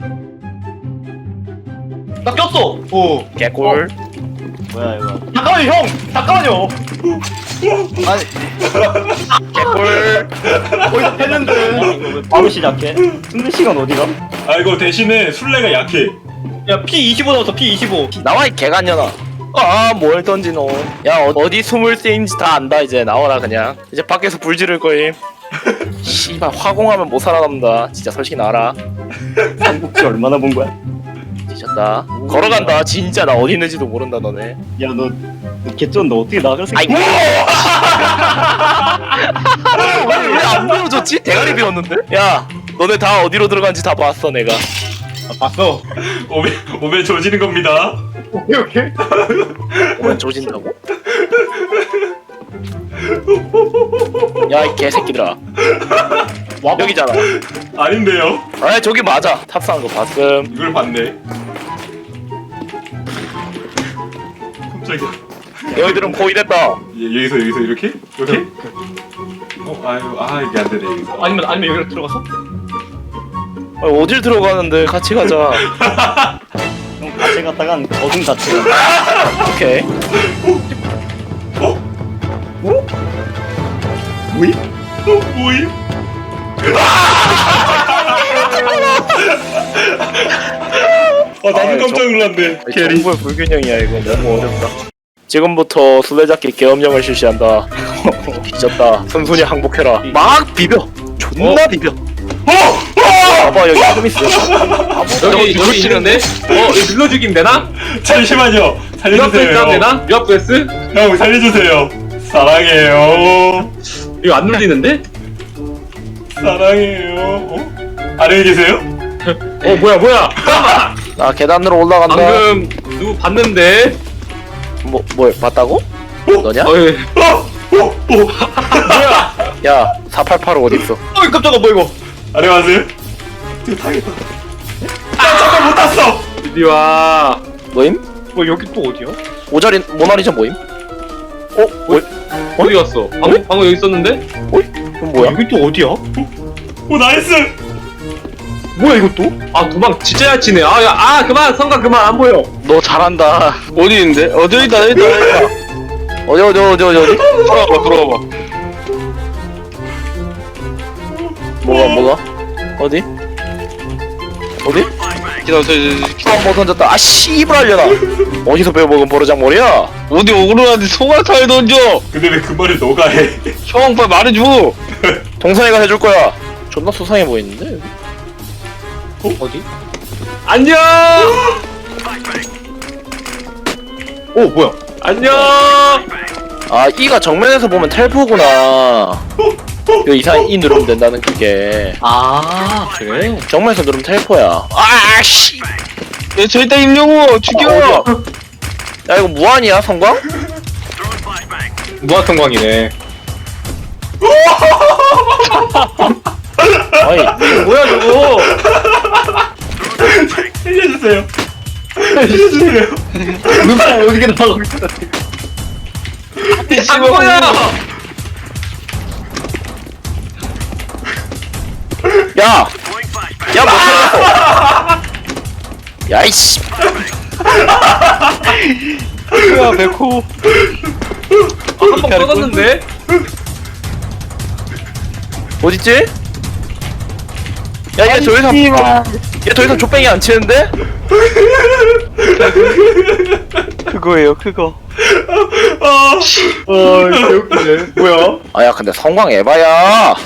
나 꼈어. 오. 개꿀. 뭐야 이거? 잠깐만요 형. 잠깐만요. 아니 개꿀. 거기서 했는데. 이거 왜 바로 시작해? 승리 시간 어디가? 아 이거 대신에 술래가 약해. 야 P25 나왔어 P25. 나와 이 개간년아. 뭘 던지노? 야 어디 숨을 쓰인지 다 안다 이제 나와라 그냥. 이제 밖에서 불 지를 거임. 씨발 화공하면 못 살아남다. 진짜 솔직히 나와라. 삼국지 얼마나 본 거야? 뒤졌다. 걸어간다. 진짜 나 어디 있는지도 모른다 너네. 야너 개쩐 너 어떻게 나갈 수 있어? 아이고. 왜안 배워줬지? 대가리 배웠는데? 야 너네 다 어디로 들어간지 다 봤어 내가. 봤어. 오메 조지는 겁니다. 오케이 오케이. 오면 조진다고? 야 이 개새끼들아. 와 여기잖아. 아닌데요? 아 저기 맞아. 탑승한 거 봤음. 이걸 봤네. 깜짝이야. 너희들은 거의 됐다. 여기서 이렇게? 이렇게? 아유 이게 안 되네 여기서. 아니면 여기로 들어갔어? 아니, 어딜 들어가는데 같이 가자. 형 같이 갔다간 어둠 자체가. 오케이. 뭐임? 뭐임? 나도 깜짝 놀랐네. 캐리. 정보의 불균형이야 이거 너무 어렵다. 지금부터 술래잡기 계엄령을 실시한다. 뒤졌다. 순순히 항복해라. 막 비벼. 존나 비벼. 봐봐 여기 좀 있어. 여기 있는데? 이거 눌러 죽이면 되나? 잠시만요. 유압 베이스 살려주세요. 하면 되나? 유압 베이스? 형 살려주세요. 사랑해요. 이거 안 눌리는데? 사랑해요. 안녕히 계세요. 뭐야? 나 계단으로 올라간다. 방금 누구 봤는데? 뭐 봤다고? 너냐? 어이, 뭐야? 야 488 어딨어? 어이 깜짝아 뭐 이거. 안녕하세요. 이거 타겠다. 잠깐 못 탔어. 이리 와. 뭐임? 뭐 여기 또 어디야? 오자리 모나리자 뭐임? 뭐? 어디 갔어? 방금 여기 있었는데? 그럼 뭐야? 여기 또 어디야? 오 나이스. 뭐야 이것도? 아 도망 진짜 잘 치네. 그만 성가 그만 안 보여. 너 잘한다. 어디 있는데? 여기 있다. 어디? 들어와봐. 뭐가? 어디? 기다려. 뭐 던졌다. 아 씨발 알려나. 어디서 배워먹은 버르장머리야? 어디 오그라는데 소갈타에 던져. 근데 왜 그 말을 너가 해? 형 빨리 말해줘. 동선이가 해줄 거야. 존나 수상해 보이는데? 어디? 안녕. 오 뭐야? 안녕. 아 이가 정면에서 보면 텔포구나. 그 이상 이 누르면 된다는 그게. 아 그래? 정면에서 누르면 텔포야. 아 씨. 야, 저 있다 임영호 죽여. 어디야? 야 이거 무한이야 성광? 무한 성광이네. 아니 뭐야 저거? 살려주세요. 살려주세요. 누가 어디게 나가고 있어? 안 보여. 야! 야, 못 살았어! 야, 이씨! 야 백호. 한번 꺼졌는데? 어딨지? 야, 얘 더 이상, 얘 더 이상 족뱅이 안 치는데? 그거예요 그거. 아, 개웃기네. 뭐야? 아, 야, 근데 성광 에바야!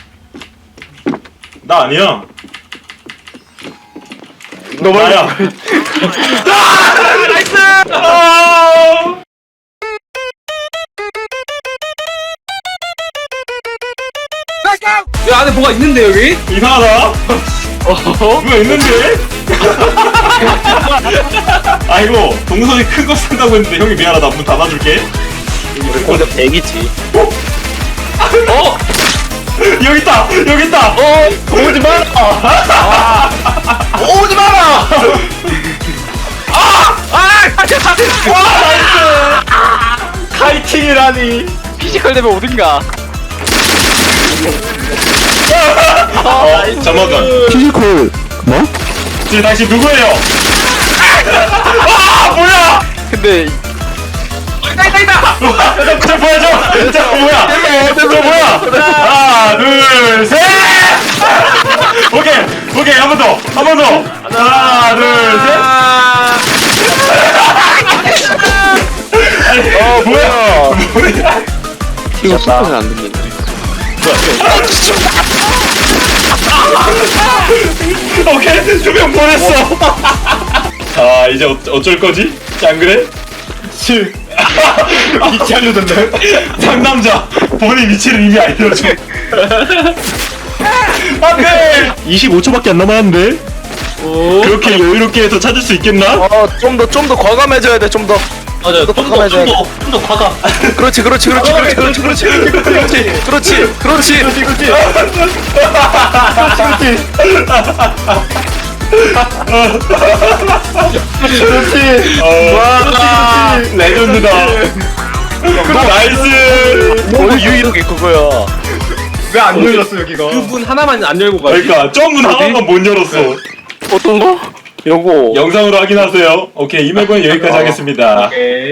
나 아니야. 너 말이야. 나야. 나이스! 야 안에 뭐가 있는데 여기? 이상하다. 뭐가 있는데? 아이고 동선이 큰 거 산다고 했는데 형이 미안하다. 문 닫아줄게. 우리 공격 대기지. 여기 있다. 여기 있다. 오지 마라! 오지 마라! 카이팅이라니. 피지컬 되면 어딘가. 잠깐만. 피지컬 뭐? 지금 당신 누구예요? 아 뭐야? 근데 저 뭐야 저 뭐야? 저 뭐야? 하나 둘 셋. 오케이 한 번 더. 하나 둘 셋. 뭐야? 이거 소리는 안 들리네. 오케이 두 명 보냈어. 아 이제 어쩔 거지? 안 그래? 위치 알려줬네. 상남자 본인 위치를 이미 알려줘. 안돼. 25초밖에 안 남았는데. 그렇게 여유롭게 해서 찾을 수 있겠나? 좀 더 과감해져야 돼. 좀 더. 맞아. 좀더 과감. 그렇지. 와 레전드다. 나이스. 너무 유일하게 그거야. 왜 안 열렸어 여기가? 그분 하나만 안 열고 가지. 그러니까 점문 하나만 못 열었어. 어떤 거? 요거. 영상으로 확인하세요. 오케이, 이 맵은 여기까지 하겠습니다. 오케이.